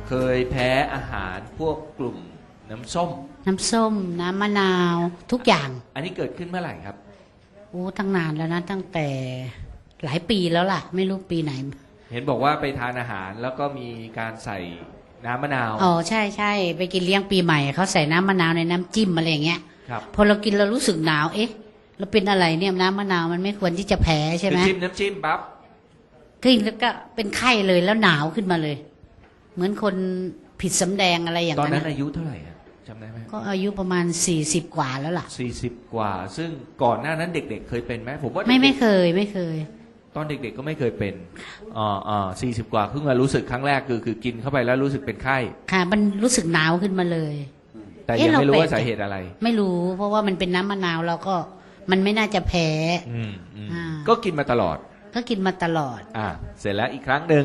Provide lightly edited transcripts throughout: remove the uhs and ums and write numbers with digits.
เคยแพ้อาหารพวกกลุ่มน้ำส้มน้ำส้มน้ำมะนาวทุกอย่างอันนี้เกิดขึ้นเมื่อไหร่ครับโอ้ตั้งนานแล้วนะตั้งแต่หลายปีแล้วล่ะไม่รู้ปีไหนเห็นบอกว่าไปทานอาหารแล้วก็มีการใส่น้ำมะนาวอ๋อใช่ใช่ไปกินเลี้ยงปีใหม่เขาใส่น้ำมะนาวในน้ำจิ้มอะไรอย่างเงี้ยครับพอเรากินเรารู้สึกหนาวเอ๊ะเราเป็นอะไรเนี่ยน้ำมะนาวมันไม่ควรที่จะแพ้ใช่ไหมจิ้มน้ำจิ้มปั๊บกินแล้วก็เป็นไข้เลยแล้วหนาวขึ้นมาเลยเหมือนคนผิดสำแดงอะไรอย่างนั้นตอนนั้นอายุเท่าไหร่จำได้ไหมก็อายุประมาณ40 กว่าแล้วล่ะ 40 กว่าซึ่งก่อนหน้านั้นเด็กๆเคยเป็นไหมผมว่าไม่เคยตอนเด็กๆก็ไม่เคยเป็น40 กว่าเพิ่งมารู้สึกครั้งแรกคือกินเข้าไปแล้วรู้สึกเป็นไข้ค่ะมันรู้สึกหนาวขึ้นมาเลยแต่ยังไม่รู้ว่าสาเหตุอะไรไม่รู้เพราะว่ามันเป็นน้ำมะนาวเราก็มันไม่น่าจะแพ้ก็กินมาตลอดก็กินมาตลอดเสร็จแล้วอีกครั้งหนึ่ง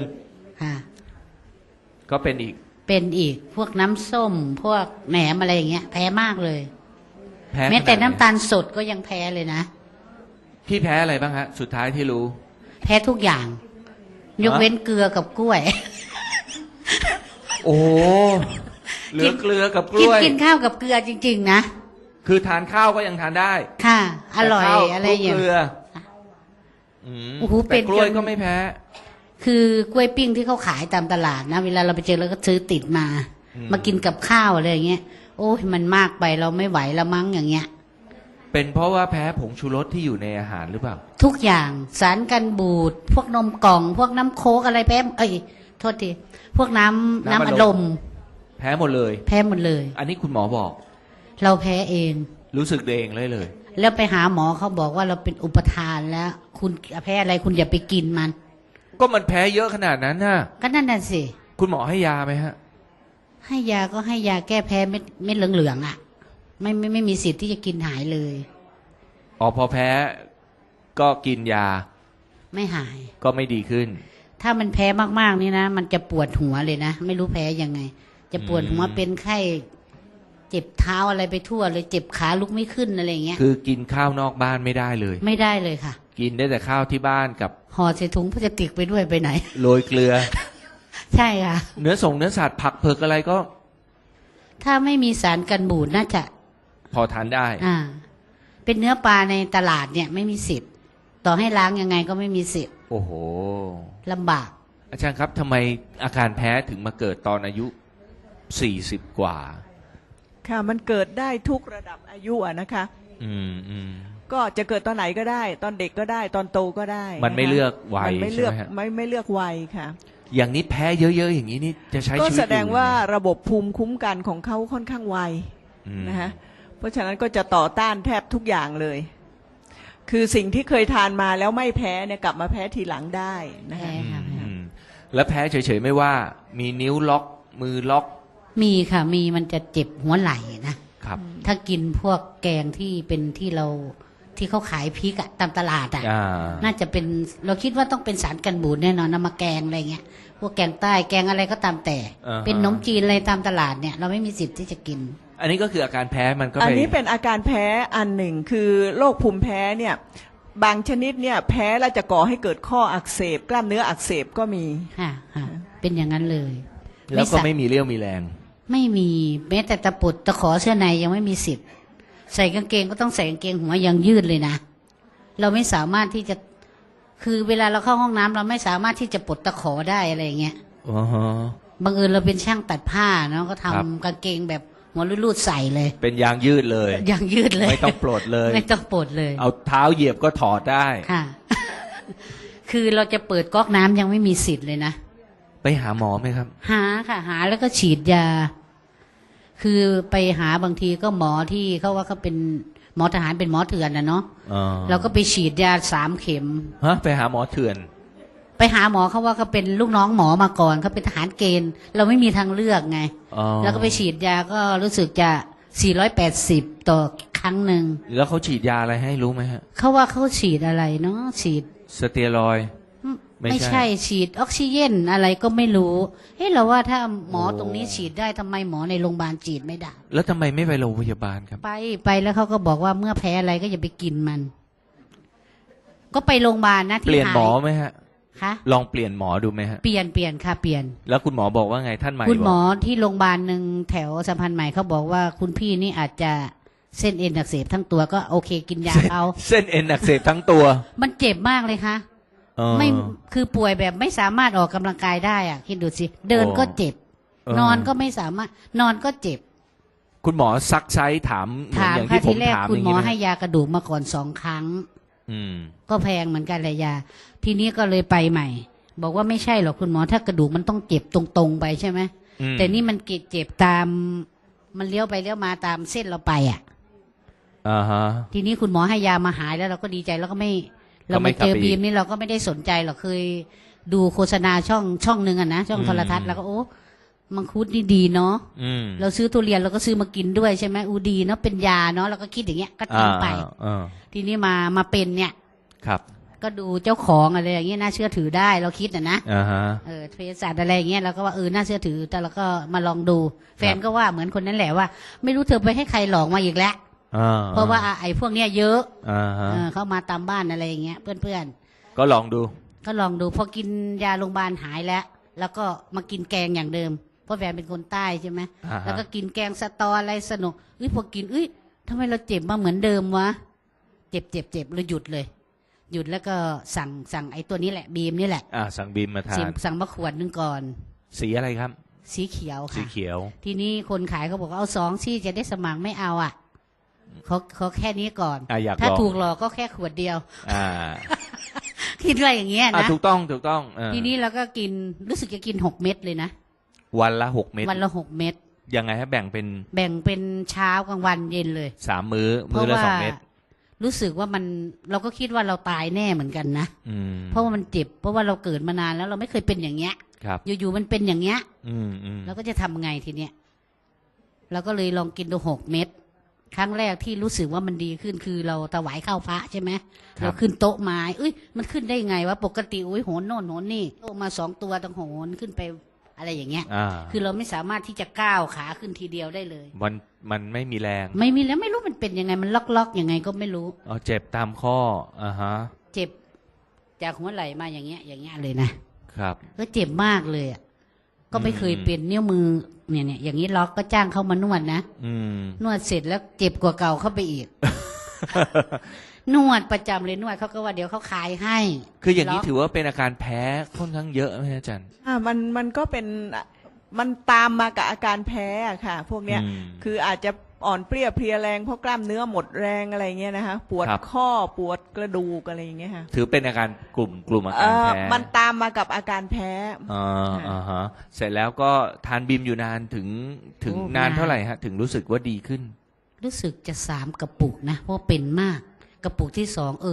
ก็เป็นอีกพวกน้ำส้มพวกแหนมอะไรอย่างเงี้ยแพ้มากเลยแพ้แม้แต่น้ำตาลสดก็ยังแพ้เลยนะพี่แพ้อะไรบ้างฮะสุดท้ายที่รู้แพ้ทุกอย่างยกเว้นเกลือกับกล้วยโอ้เหลือเกลือกับกล้วยกินข้าวกับเกลือจริงๆนะคือทานข้าวก็ยังทานได้ค่ะอร่อยอะไรอย่างเงี้ยโอ้โหเป็นกล้วยก็ไม่แพ้คือกล้วยปิ้งที่เขาขายตามตลาดนะเวลาเราไปเจอเราก็ซื้อติดมากินกับข้าวอะไรอย่างเงี้ยโอ้ยมันมากไปเราไม่ไหวละมั้งอย่างเงี้ยเป็นเพราะว่าแพ้ผงชูรสที่อยู่ในอาหารหรือเปล่าทุกอย่างสารกันบูดพวกนมกล่องพวกน้ำโค้กอะไรแพ้โทษทีพวกน้ำอัดลมแพ้หมดเลยอันนี้คุณหมอบอกเราแพ้เองรู้สึกเองเลยแล้วไปหาหมอเขาบอกว่าเราเป็นอุปทานแล้วคุณแพ้อะไรคุณอย่าไปกินมันก็มันแพ้เยอะขนาดนั้นน่ะก็นั่นน่ะสิคุณหมอให้ยาไหมฮะให้ยาก็ให้ยาแก้แพ้เม็ดเหลืองๆอ่ะไม่มีสิทธิ์ที่จะกินหายเลยพอแพ้ก็กินยาไม่หายก็ไม่ดีขึ้นถ้ามันแพ้มากๆนี่นะมันจะปวดหัวเลยนะไม่รู้แพ้ยังไงจะปวดหัวเป็นไข้เจ็บเท้าอะไรไปทั่วเลยเจ็บขาลุกไม่ขึ้นอะไรอย่างเงี้ยคือกินข้าวนอกบ้านไม่ได้เลยไม่ได้เลยค่ะกินได้แต่ข้าวที่บ้านกับห่อใส่ถุงพลาสติกไปด้วยไปไหนโรยเกลือใช่ค่ะเนื้อสัตว์ผักเผือกอะไรก็ถ้าไม่มีสารกันบูดน่าจะพอทานได้เป็นเนื้อปลาในตลาดเนี่ยไม่มีสิทธิ์ต่อให้ล้างยังไงก็ไม่มีสิทธิ์โอ้โหลำบากอาจารย์ครับทำไมอาการแพ้ถึงมาเกิดตอนอายุ40 กว่าค่ะมันเกิดได้ทุกระดับอายุนะคะก็จะเกิดตอนไหนก็ได้ตอนเด็กก็ได้ตอนโตก็ได้มันไม่เลือกวัยใช่ไหมฮะไม่เลือกวัยค่ะอย่างนี้แพ้เยอะๆอย่างนี้นี่จะใช้ชีวิตก็แสดงว่าระบบภูมิคุ้มกันของเขาค่อนข้างไวนะฮะเพราะฉะนั้นก็จะต่อต้านแทบทุกอย่างเลยคือสิ่งที่เคยทานมาแล้วไม่แพ้เนี่ยกลับมาแพ้ทีหลังได้นะคะแล้วแพ้เฉยๆไม่ว่ามีนิ้วล็อกมือล็อกมีค่ะมีมันจะเจ็บหัวไหล่นะครับถ้ากินพวกแกงที่เป็นที่เขาขายพริกอะตามตลาดอะน่าจะเป็นเราคิดว่าต้องเป็นสารกันบูดแน่นอนนำมาแกงอะไรเงี้ยพวกแกงใต้แกงอะไรก็ตามแต่เป็นขนมจีนอะไรตามตลาดเนี่ยเราไม่มีสิทธิ์ที่จะกินอันนี้ก็คืออาการแพ้มันก็อันนี้เป็นอาการแพ้อันหนึ่งคือโรคภูมิแพ้เนี่ยบางชนิดเนี่ยแพ้แล้วจะก่อให้เกิดข้ออักเสบกล้ามเนื้ออักเสบก็มีค่ะเป็นอย่างนั้นเลยแล้วก็ไม่มีเรี่ยวมีแรงไม่มีแม้แต่ตะปุดตะขอเสื้อในยังไม่มีสิทธิ์ใส่กางเกงก็ต้องใส่กางเกงหัวยังยืดเลยนะเราไม่สามารถที่จะคือเวลาเราเข้าห้องน้ำเราไม่สามารถที่จะปลดตะขอได้อะไรอย่างเงี้ยบังเอิญเราเป็นช่างตัดผ้าเนาะก็ทำกางเกงแบบหัวรูดๆใส่เลยเป็นยางยืดเลยยางยืดเลยไม่ต้องปลดเลยไม่ต้องปลดเลยเอาเท้าเหยียบก็ถอดได้ค่ะ คือเราจะเปิดก๊อกน้ำยังไม่มีสิทธิ์เลยนะไปหาหมอไหมครับหาค่ะหาแล้วก็ฉีดยาคือไปหาบางทีก็หมอที่เขาว่าเขาเป็นหมอทหารเป็นหมอเถื่อนนะเนาะเราก็ไปฉีดยา3 เข็มไปหาหมอเถื่อนไปหาหมอเขาว่าเขาเป็นลูกน้องหมอมาก่อนเขาเป็นทหารเกณฑ์เราไม่มีทางเลือกไงแล้วก็ไปฉีดยาก็รู้สึกจะ480ต่อครั้งหนึ่งแล้วเขาฉีดยาอะไรให้รู้ไหมฮะเขาว่าเขาฉีดอะไรเนาะฉีดสเตียรอยด์ไม่ใช่ฉีดออกซิเจนอะไรก็ไม่รู้เราว่าถ้าหมอตรงนี้ฉีดได้ทำไมหมอในโรงพยาบาลฉีดไม่ได้แล้วทำไมไม่ไปโรงพยาบาลครับไปแล้วเขาก็บอกว่าเมื่อแพ้อะไรก็อย่าไปกินมันก็ไปโรงพยาบาลนะที่เปลี่ยนหมอไหมฮะคะลองเปลี่ยนหมอดูไหมฮะเปลี่ยนค่ะเปลี่ยนแล้วคุณหมอบอกว่าไงท่านใหม่คุณหมบอก ที่โรงพยาบาลหนึ่งแถวสัมพันธ์ใหม่เขาบอกว่าคุณพี่นี่อาจจะเส้นเอ็นอักเสบทั้งตัวก็โอเคกินยาเขาเส้นเอ็นอักเสบทั้งตัวมันเจ็บมากเลยค่ะเออไม่คือป่วยแบบไม่สามารถออกกำลังกายได้อ่ะคิดดูสิเดินก็เจ็บเออนอนก็ไม่สามารถนอนก็เจ็บคุณหมอซักไซส์ถามเหมือนถามอย่างค่ะที่ผทีมแรกถามคุณย่างหมอนี้ไหมให้ยากระดูกมาก่อน2 ครั้งอืมก็แพงเหมือนกันเลยยา ทีนี้ก็เลยไปใหม่ บอกว่าไม่ใช่หรอกคุณหมอถ้ากระดูกมันต้องเจ็บตรงๆไปใช่ไหมอืมแต่นี่มันเจ็บตามมันเลี้ยวไปเลี้ยวมาตามเส้นเราไปอ่ะอ่าฮะทีนี้คุณหมอให้ยามาหายแล้วเราก็ดีใจแล้วก็ไม่ก็เราไม่มากลับเจอไปอีกบีมนี่เราก็ไม่ได้สนใจหรอกเคยดูโฆษณาช่องหนึ่งอ่ะนะช่องโทรทัศน์แล้วก็โอ้มังคุดนี่ดีเนาะอืมเราซื้อทุเรียนเราก็ซื้อมากินด้วยใช่ไหมอูดีเนาะเป็นยาเนาะเราก็คิดอย่างเงี้ยก็ทิ้งไปอ่าทีนี้มาเป็นเนี่ยครับก็ดูเจ้าของอะไรอย่างเงี้ยน่าเชื่อถือได้เราคิดนะอ่าฮะเภสัชอะไรอย่างเงี้ยเราก็ว่าน่าเชื่อถือแต่เราก็มาลองดู แฟนก็ว่าเหมือนคนนั้นแหละว่า ไม่รู้เธอไปให้ใครหลอกมาอีกแล้วอ่าเพราะว่าไอ้พวกเนี้ยเยอะอ่าฮะเข้ามาตามบ้านอะไรอย่างเงี้ยเพื่อนก็ลองดูๆก็ลองดูพอกินยาโรงพยาบาลหายแล้ว แล้วก็มากินแกงอย่างเดิมเพราะแฟนเป็นคนใต้ใช่ไหมอ่าฮะแล้วก็กินแกงสะตออะไรสนุกพอกินทำไมเราเจ็บมาเหมือนเดิมวะเจ็บเราหยุดเลย หยุดแล้วก็สั่งไอ้ตัวนี้แหละบีมนี่แหละสั่งบีมมาทานสั่งมาขวดนึงก่อนสีอะไรครับสีเขียวสีค่ะเขียวทีนี้คนขายเขาบอกว่าเอา2ซี่จะได้สมัครไม่เอาอ่ะเขาแค่นี้ก่อนอยากถ้าลองถูกหลอกก็แค่ขวดเดียวอ่าคิดอะไรอย่างเงี้ยนะถูกต้องเออทีนี้เราก็กินรู้สึกจะกิน6 เม็ดเลยนะวันละ6 เม็ดวันละ6 เม็ดยังไงฮะแบ่งเป็นแบ่งเป็นเช้ากลางวันเย็นเลย 3 มื้อเพมื้อราะละว่า 2 เม็ดรู้สึกว่าเราก็คิดว่าเราตายแน่เหมือนกันนะอืมเพราะว่ามันเจ็บเพราะว่าเราเกิดมานานแล้วเราไม่เคยเป็นอย่างเงี้ยครับอยู่ๆมันเป็นอย่างเงี้ยอืมเราก็จะทำไงทีเนี้ยเราก็เลยลองกินดู6 เม็ดครั้งแรกที่รู้สึกว่ามันดีขึ้นคือเราถวายข้าวพระใช่ไหมเราขึ้นโต๊ะไม้มันขึ้นได้ไงวะปกติโหนโน่นโหนนี่โต๊ะมา2 ตัวต้องโหนขึ้นไปอะไรอย่างเงี้ย คือเราไม่สามารถที่จะก้าวขาขึ้นทีเดียวได้เลยมันไม่มีแรงไม่มีแล้วไม่รู้มันเป็นยังไงมันล็อกยังไงก็ไม่รู้เจ็บตามข้ออ่าฮะเจ็บจากหัวไหล่มาอย่างเงี้ยเลยนะครับ ก็เจ็บมากเลยอ่ะก็ไม่เคยเป็นนิ้วมือเนี่ยอย่างนี้ล็อกก็จ้างเขามานวดนะอืมนวดเสร็จแล้วเจ็บกว่าเก่าเข้าไปอีก นวดประจำเลยนวดเขาก็ว่าเดี๋ยวเขาขายให้คืออย่างนี้ล็กถือว่าเป็นอาการแพ้ค่อนข้างเยอะไหมอาจารย์มันก็เป็นมันตามมากับอาการแพ้อะค่ะ พวกเนี้ยอืมคืออาจจะอ่อนเปรี้ยเพลียแรงเพราะกล้ามเนื้อหมดแรงอะไรเงี้ยนะคะปวดครับข้อปวดกระดูกอะไรอย่างเงี้ยค่ะถือเป็นอาการกลุ่มอาการแพ้มันตามมากับอาการแพ้อ่าฮะเสร็จแล้วก็ทานบีมอยู่นานถึงโอ้นานนานเท่าไหร่ฮะ ถึงรู้สึกว่าดีขึ้นรู้สึกจะ3 กระปุกนะเพราะเป็นมากกระปุกที่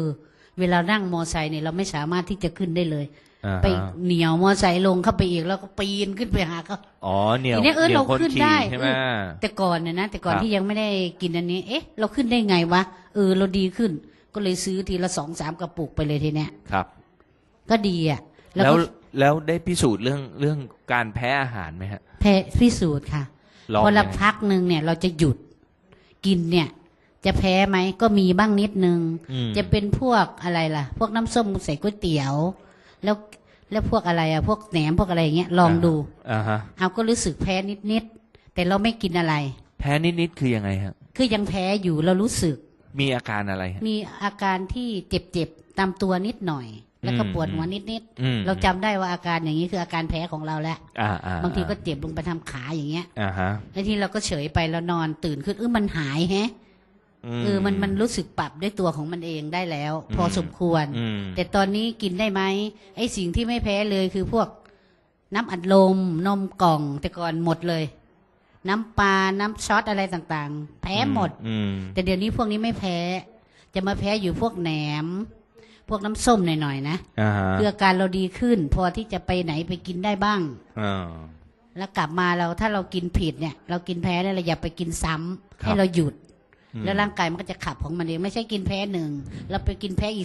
2เวลานั่งมอไซค์เนี่ยเราไม่สามารถที่จะขึ้นได้เลยอ่าฮะไปเหนียวมอไซค์ลงเข้าไปอีกแล้วก็ปีนขึ้นไปหาเขาอ๋อเหนียวทีนี้เหนียวเราคนขึ้นขี่ได้ใช่ไหมแต่ก่อนเนี่ยนะแต่ก่อนครับที่ยังไม่ได้กินอันนี้ เราขึ้นได้ไงวะเราดีขึ้น ก็เลยซื้อทีละ2-3 กระปุกไปเลยทีเนี้ยครับก็ดีอ่ะแล้วก็แล้วได้พิสูจน์เรื่องการแพ้อาหารไหมฮะแพ้พิสูจน์ค่ะลองพอละไหมพักหนึ่งเนี่ยเราจะหยุดกินเนี่ย จะแพ้ไหมก็มีบ้างนิดนึงอืมจะเป็นพวกอะไรล่ะ พวกน้ำส้มใส่ก๋วยเตี๋ยว แล้วพวกอะไรพวกแหนมพวกอะไรอย่างเงี้ยลองดูอ่าฮะเอาก็รู้สึกแพ้นิดๆแต่เราไม่กินอะไรแพ้นิดๆคือยังไงฮะคือยังแพ้อยู่เรารู้สึกมีอาการอะไรฮะมีอาการที่เจ็บๆตามตัวนิดหน่อย แล้วก็ปวดหัวนิดอืมๆเราจำได้ว่าอาการอย่างนี้คืออาการแพ้ของเราแล้ว บางทีก็เจ็บลงไปทำขาอย่างเงี้ยอ่าฮะแล้วทีเราก็เฉยไปแล้วนอนตื่นขึ้นมันหายแฮะ มันรู้สึกปรับด้วยตัวของมันเองได้แล้ว พอสมควรอืมแต่ตอนนี้กินได้ไหมไอ้สิ่งที่ไม่แพ้เลยคือพวกน้ำอัดลมนมกล่องแต่ก่อนหมดเลย น้ำปลาน้ำช็อตอะไรต่างๆ แพ้หมดอืมแต่เดี๋ยวนี้พวกนี้ไม่แพ้ จะมาแพ้อยู่พวกแหนม พวกน้ำส้มหน่อยๆนะอ่าฮะคืออาการเราดีขึ้น พอที่จะไปไหนไปกินได้บ้างอ่าแล้วกลับมาถ้าเรากินผิดเนี่ย เรากินแพ้เนี่ยเราอย่าไปกินซ้ำครับให้เราหยุดอืมแล้วร่างกายมันก็จะขับของมันเองไม่ใช่กินแพ้1แล้วไปกินแพ้อีก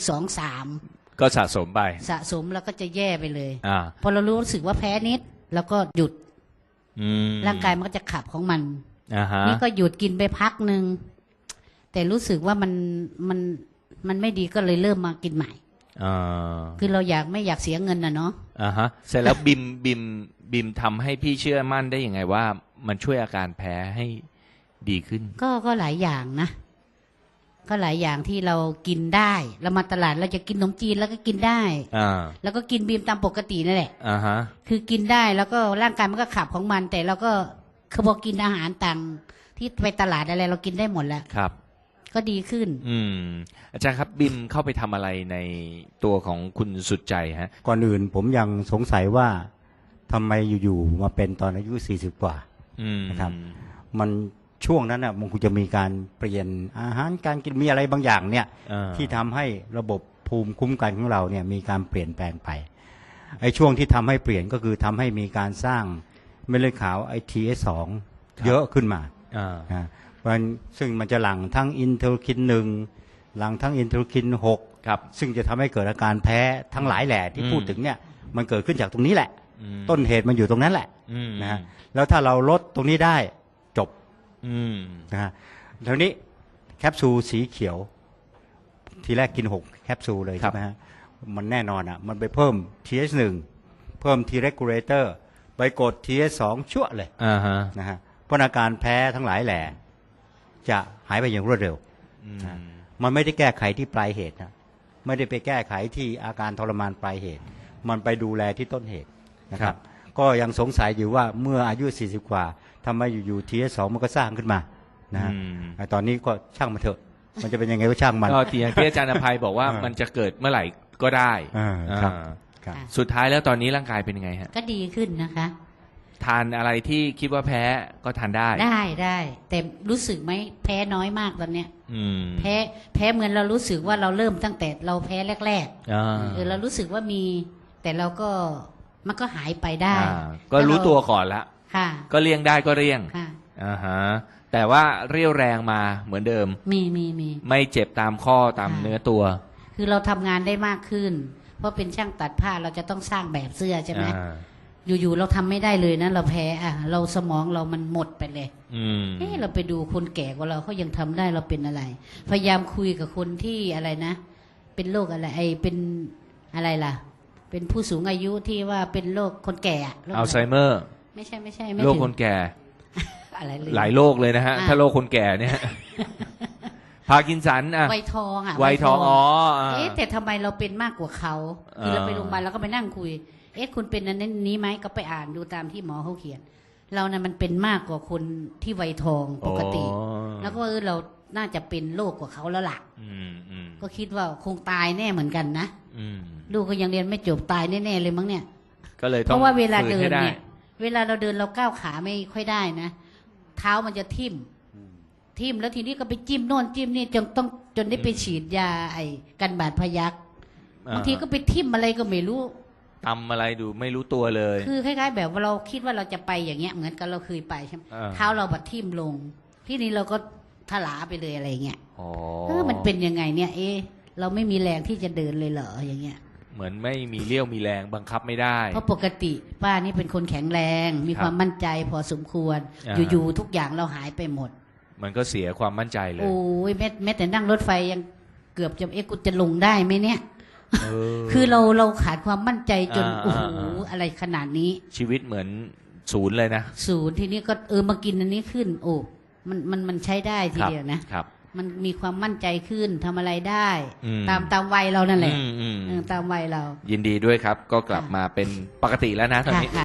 2-3 ก็สะสมไปสะสมแล้วก็จะแย่ไปเลยอ่าพอเรารู้สึกว่าแพ้นิด แล้วก็หยุดอืมร่างกายมันก็จะขับของมันอ่าฮะนี่ก็หยุดกินไปพักหนึ่งแต่รู้สึกว่ามันไม่ดีก็เลยเริ่มมากินใหม่อ่าคือเราไม่อยากเสียเงินนะเนาะอ่าฮะเสร็จแล้วบิมทำให้พี่เชื่อมั่นได้ยังไงว่ามันช่วยอาการแพ้ให้ดีขึ้นก็หลายอย่างนะ ก็หลายอย่างที่เรากินได้เรามาตลาดเราจะกินขนมจีนแล้วก็กินได้อ่าแล้วก็กินบีมตามปกตินั่นแหละอ่าฮะคือกินได้แล้วก็ร่างกายมันก็ขับของมัน แต่เราก็คือพอกินอาหารต่างที่ไปตลาดอะไรเรากินได้หมดแล้วครับก็ดีขึ้นอาจารย์ครับบิมเข้าไปทำอะไรในตัวของคุณสุดใจฮะก่อนอื่นผมยังสงสัยว่าทำไมอยู่ๆมาเป็นตอนอายุ40กว่า นะครับ มันช่วงนั้นอ่ะมันคงจะมีการเปลี่ยนอาหารการกินมีอะไรบางอย่างเนี่ย ที่ทำให้ระบบภูมิคุ้มกันของเราเนี่ยมีการเปลี่ยนแปลงไปไอ้ช่วงที่ทำให้เปลี่ยนก็คือทำให้มีการสร้างเม็ดเลือดขาวไอ TS2 เยอะขึ้นมานะซึ่งมันจะหลั่งทั้งอินเทอร์คิน1หลั่งทั้งอินเทอร์คิน6 ครับซึ่งจะทำให้เกิดอาการแพ้ทั้งหลายแหล่ที่พูดถึงเนี่ยมันเกิดขึ้นจากตรงนี้แหละ ต้นเหตุมันอยู่ตรงนั้นแหละนะฮะแล้วถ้าเราลดตรงนี้ได้จบนะฮะทีนี้แคปซูลสีเขียว ทีแรกกิน6แคปซูลเลยครัใช่บไหมฮะมันแน่นอนอ่ะมันไปเพิ่ม TH1 เพิ่ม T regulator ไปกด TH2 ชั่วเลยอ่าฮะนะฮะเพราะอาการแพ้ทั้งหลายแหล่จะหายไปอย่างรวดเร็ว มันไม่ได้แก้ไขที่ปลายเหตุนะไม่ได้ไปแก้ไขที่อาการทรมานปลายเหตุ มันไปดูแลที่ต้นเหตุนะครับ ก็ยังสงสัยอยู่ว่าเมื่ออายุ40กว่าทำไมอยู่ๆ TS2 มันก็สร้างขึ้นมานะฮะตอนนี้ก็ช่างมันเถอะ มันจะเป็นยังไงก็ช่างมันก็อย่างที่อาจารย์อภัยบอกว่ามันจะเกิดเมื่อไหร่ก็ได้ครับอ่าครับสุดท้ายแล้วตอนนี้ร่างกายเป็นยังไงฮะก็ดีขึ้นนะคะทานอะไรที่คิดว่าแพ้ก็ทานได้ได้แต่รู้สึกไหมแพ้น้อยมากตอนเนี้ยอืมแพ้เหมือนเรารู้สึกว่าเราเริ่มตั้งแต่เราแพ้แรกอ่าๆเรารู้สึกว่ามี แต่เราก็มันก็หายไปได้ก็รู้ตัวก่อนละค่ะก็เลี่ยงได้ก็เลี่ยงค่ะอ่าฮะแต่ว่าเรี่ยวแรงมาเหมือนเดิมมีไม่เจ็บตามข้อตามเนื้อตัวคือเราทำงานได้มากขึ้น เพราะเป็นช่างตัดผ้าเราจะต้องสร้างแบบเสื้อใช่ไหมอ่าอยู่ๆเราทำไม่ได้เลยนะเราแพ้เราสมองเรามันหมดไปเลย เราไปดูคนแก่กว่าเราเขายังทำได้เราเป็นอะไร พยายามคุยกับคนที่อะไรนะ เป็นโรคอะไรเป็นอะไรล่ะ เป็นผู้สูงอายุที่ว่าเป็นโรคคนแก่อะโรคอัลไซเมอร์ไม่ใช่ไม่โรคถึงคนแก่อะไรเลยหลายโรคเลยนะฮะ ถ้าโรคคนแก่เนี่ย พาร์กินสันอ่ะไวทองอ่ะไวทองอ๋ออ่าแต่ทำไมเราเป็นมากกว่าเขาคือเราไปโรงพยาบาลเราก็ไปนั่งคุย คุณเป็นอันนี้ไหมก็ไปอ่านดูตามที่หมอเขาเขียน เราเนี่ยมันเป็นมากกว่าคนที่ไวทองปกติ แล้วก็เราน่าจะเป็นโรคกว่าเขาแล้วล่ะ ก็คิดว่าคงตายแน่เหมือนกันนะลูกก็ยังเรียนไม่จบตายแน่ๆเลยมั้งเนี่ยก็เลยต้องเพราะว่าเวลาเดินฝืให้ไเนี่ยเวลาเราเดินเราก้าวขาไม่ค่อยได้นะเท้ามันจะทิ่มแล้วทีนี้ก็ไปจิ้มโน่นจิ้มนี่จนได้ไปฉีดยากันบาดพยักบางทีก็ไปทิ่มอะไรก็ไม่รู้ทำอะไรดูไม่รู้ตัวเลยคือคล้ายๆแบบว่าเราคิดว่าเราจะไปอย่างเงี้ยเหมือนกันเราเคยไปใช่ไหม เท้าเราบัดทิ่มลง ที่นี้เราก็ถลาไปเลยอะไรเงี้ยมันเป็นยังไงเนี่ยเราไม่มีแรงที่จะเดินเลยเหรออย่างเงี้ยเหมือนไม่มีเลี้ยวมีแรงบังคับไม่ได้เพราะปกติป้านี่เป็นคนแข็งแรงมีความมั่นใจพอสมควร อยู่ๆทุกอย่างเราหายไปหมดมันก็เสียความมั่นใจเลยโอ้ยแม้แต่นั่งรถไฟยังเกือบจะกูจะลงได้ไหมเนี่ย คือเราขาดความมั่นใจจนโอ้โหอะไรขนาดนี้ชีวิตเหมือนศูนย์เลยนะศูนย์ทีนี้ก็มากินอันนี้ขึ้น โอ้มันใช้ได้ทีเดียวนะครับ มันมีความมั่นใจขึ้นทำอะไรได้ ตามวัยเรานั่นแหละตามวัยเรายินดีด้วยครับ ก็กลับมาเป็นปกติแล้วนะตอนนี้